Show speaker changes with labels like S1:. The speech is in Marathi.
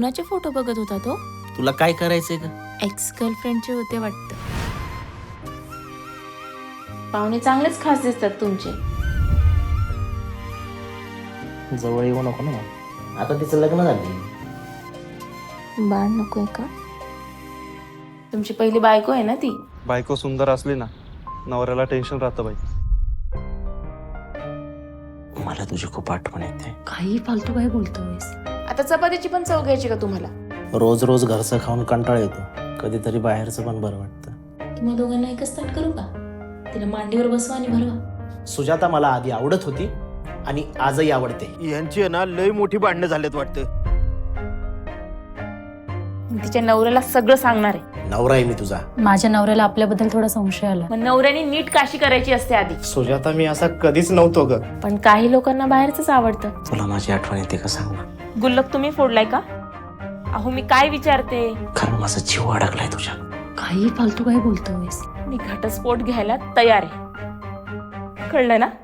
S1: कोणाचे फोटो बघत होता तो?
S2: तुला काय करायचंय का?
S1: एक्स गर्लफ्रेंडचे होते वाटतं. पाहुणे चांगलेच खास दिसतात तुमचे.
S2: जवळ येऊ नको ना. आता तिचं लग्न झालं.
S1: बाळ नकोय का? तुमची पहिली बायको आहे ना ती?
S3: बायको सुंदर असली ना, नवऱ्याला टेन्शन राहतं बाई.
S2: मला तुझी खूप आठवण येते.
S1: काही फालतू काय बोलतोयस? आता चपातीची पण चव घ्यायची का तुम्हाला?
S2: रोज रोज घरचं खाऊन कंटाळ येतो. कधीतरी बाहेरचं पण बरं वाटतं.
S1: तुम्हा दोघांना एकच ताट करू का? तिला मांडीवर बसवा आणि भरवा.
S2: सुजाता मला आधी आवडत होती आणि आजही आवडते.
S4: यांची आहे ना लय मोठी भांडणं झालेत वाटतं.
S1: तिच्या नवऱ्याला सगळं सांगणार आहे.
S2: नवरा आहे मी तुझा.
S5: माझ्या नवऱ्याला आपल्याबद्दल थोडा संशय आला.
S1: मग नवऱ्याने नीट काशी करायची असते आधी.
S4: सुजाता मी असा कधीच नव्हतो ग.
S1: पण काही लोकांना बाहेरच आवडतं.
S2: तुला माझी आठवण येते का सांग ना.
S1: गुल्लक तुम्ही फोडलाय का? अहो मी काय विचारते?
S2: कारण माझा जीव अडकलाय तुझ्या.
S5: काही फालतू काय बोलतोयस?
S1: मी घटस्फोट घ्यायला तयार आहे. कळलं ना?